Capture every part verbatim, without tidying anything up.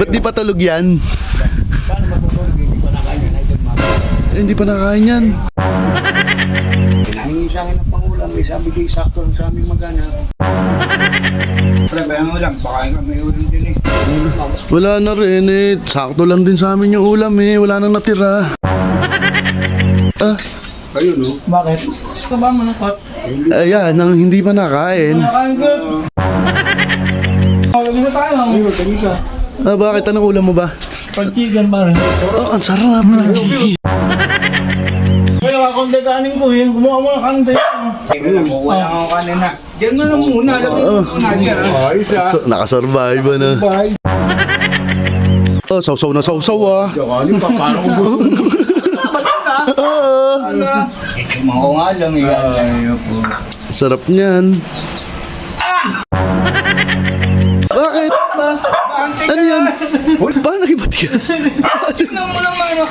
Ba't di pa tulog yan? Paano matutulog? Hindi pa nakain yan. Idol Mac. Eh, hindi pa nakain yan. Pinahingi sa akin ng pangulam. May sabi kayo sakto lang sa aming magana. Pre, bayan mo lang. Baka nga may ulam din eh. Wala na rin eh. Sakto lang din sa amin yung ulam eh. Wala nang natira. Ah, Kayo no? Bakit? Ito ba mo nakot? ayan, nang hindi pa nakain. Nakain ko. Kawag na tayo. Ayun, kanisa. Ah, bakit? Anong ulam mo ba? Pag-chicken ba rin? Oh, ang sarap. Kaya nakakonte kanin ko eh. Gumawa mo ng kante. Ayun, wala akong kanina. Diyan mo na muna. Lagay mo muna dyan. Ayos ah. So, nakasurvive ano. Bye. Oh, sausaw na sausaw ah. Ano pa? Paano ko gusto? Oo. Ala. Mga nga lang eh. Ayaw po. Sarap niyan. Bakit? Ano yan? Bakit naging matigas? Tingnan mo naman ano.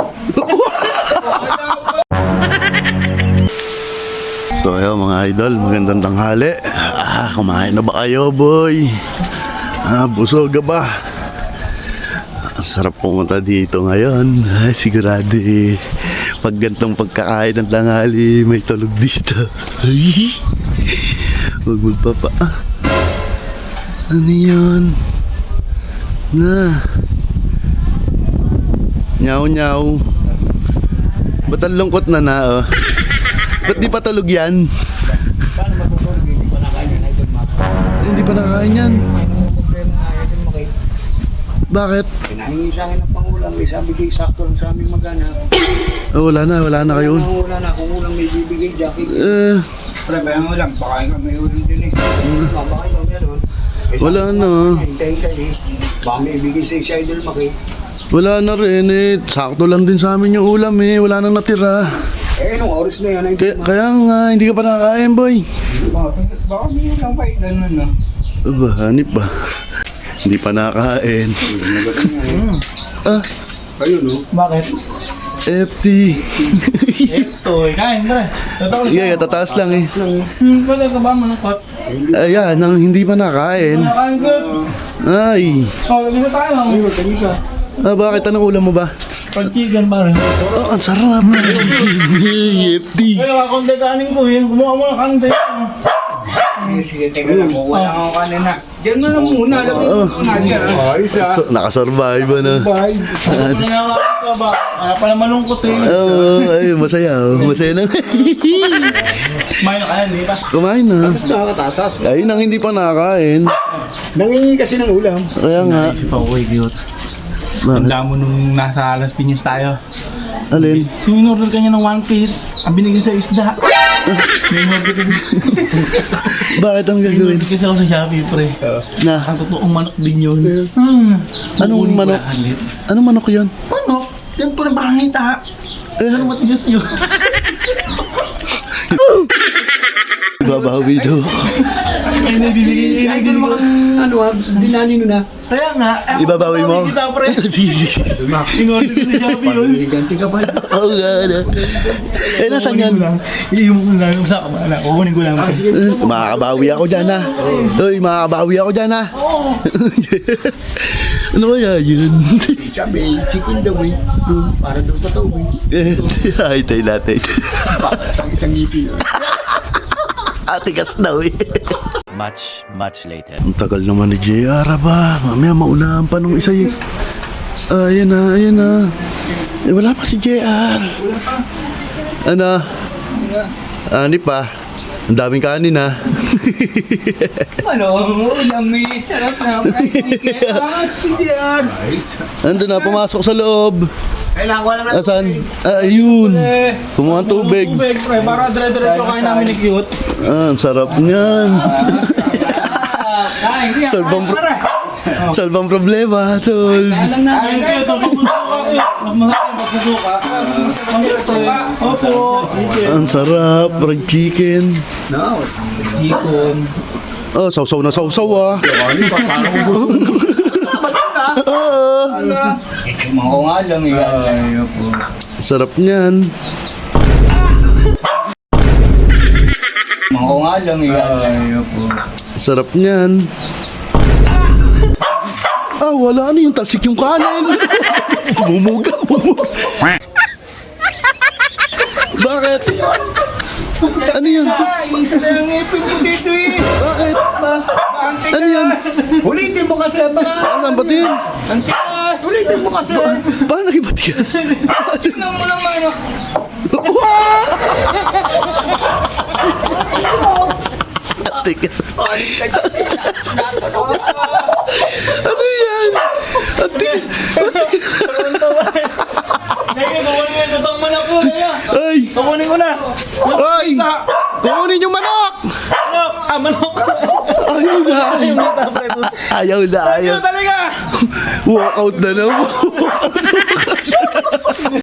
So ayun mga idol, magandang tanghali. Ah, kumain na ba kayo boy? Ah, busog ka ba? Ang sarap pumunta dito ngayon. Ay, sigurado eh. Pag gantong pagkakain ng tanghali, may tulog dito. Ay, huwag magpapa. Ah. Ano yun? Na. Nyaw nyaw. Ba't ang lungkot na na oh? Ba't di pa tulog yan? Paano matutulog? Hindi pa nakain yan. Idol Mac. Eh, hindi pa nakain yan. May mga problema nga. Idol Mac. Bakit? Pinahingi sa akin ng pangulam. May sabi kayo sakto lang sa aming magana. Oh, wala na, wala na kayo. Wala na. Kung ulang may bibigay dyan. Eh, Pre, bayan mo lang. Baka nga may ulam din eh. Baka kayo meron. Eh, sabi Wala ko na. nga sa kanya, hintay-hintay eh. Baka may ibigay sa si Idol Mac eh. wala na rin eh. Sakto lang din sa amin yung ulam eh. Wala nang natira. Eh, anong oras na yan? Kaya, kaya nga, hindi ka pa nakakain boy. Baka baka may ulam pa eh. Ganun no. Aba, hanip ba? Hindi pa nakakain. Ah, Kayo no? Bakit? F T. Ito eh. Kain pre. Totoo lang. Yeah, tataas lang eh. Hmm, pwede ka ba mo nakot? Ayan, nang hindi pa nakain. Nakain ko. Ay, Kawag na tayo. Ayun, kanisa. ah, bakit? Anong ulam mo ba? Pag-chicken ba rin? Oh, ang sarap. F T. Kaya nakakonte kanin ko eh. Gumawa mo ng kante. Sige, sige, teka lang. Wala akong kanina. Diyan mo na muna. Lagay mo muna dyan. Ayos ah. So, nakasurvive ano. Bye. Ano na nga ka ba? Kaya pala malungkot eh. Oo, ay, masaya. oh. Masaya na. Kumain na kaya, di ba? Kumain na. Tapos nakakatasas. Ayun ang hindi pa nakakain. Nangingi kasi ng ulam. Kaya nga. Pauwi, cute. Bakit? Tanda mo nung nasa Las Piñas tayo. Alin? Yung in-order kanya ng one piece, ang binigyan sa isda. May in-order kasi. Bakit ang gagawin? In-order kasi ako sa Shopee, pre. Na, Ang totoong manok din yun. Hmm. Anong Kukunin ko manok? lahat ulit. anong manok yun? Manok? Yan to na parang hita. Eh, Ano matigas yun? babawi daw. Ay, nabibigay Si Idol Mac ang ano ah, dinani nun ah. Kaya nga, eh, Ibabawi mo? Kita, pre. In-order ko sa Shopee yun. Ganti ka pa. Oo nga na. Eh, nasan yan? Iiwan ko lang sa kamala. Kukunin ko lang. Eh, Makakabawi ako dyan ha. Uy, makakabawi ako dyan ha. Oo. Ano kaya yun? Sabi, chicken daw eh. Para daw totoo eh. Ay, tayo natin. Sa isang ngipin. Atigas daw eh. Much, much later. Ang tagal naman ni J R ba? Mamaya maunahan pa nung isa yun. Ah, ayan na, ayan na. Eh, wala pa si J R. Ano? Ani pa. Ang daming kanin ha. Ano? Ulam eh. Sarap na. Ah, sige yan. Ando na, pumasok sa loob. Kailangan ko lang na. Asan? Ah, ayun. Kumuha ng tubig. Tubig, pre. Para dire-diretso kain namin ni Cute. Ah, ang sarap niyan. Kain, hindi. Solve ang, pro- solve ang problema, solve. Alam na. Kain kayo. Magsusuka kayo. Masarap magsusuka. Opo. Ang sarap, fried chicken. No. Ikon. Oh, sausaw na sausaw ah. Oo. Mga nga lang eh. Ayaw po. Sarap niyan. Mga nga lang eh. Ayaw po. Sarap niyan. wala na yung talsik yung kanin. Bumuga, bumuga. Bakit? Ano yun? Ah, isa na yung ngipin ko dito eh. Bakit? Ano yan? Ulitin mo kasi ba? Ano ang batin? Ang tikas. Ulitin mo kasi. Paano nagibatigas? Tingnan mo naman. Tigas. Ano yan? Ang tigas. Naya, kukunin mo yung lutang manok ko. Naya, Ay! kukunin ko na. Ay! Kukunin yung manok! Manok! Ah, manok! Ayaw na! Ayaw na, pre. Ayaw na, ayaw. Ayaw talaga! Walk out na naman.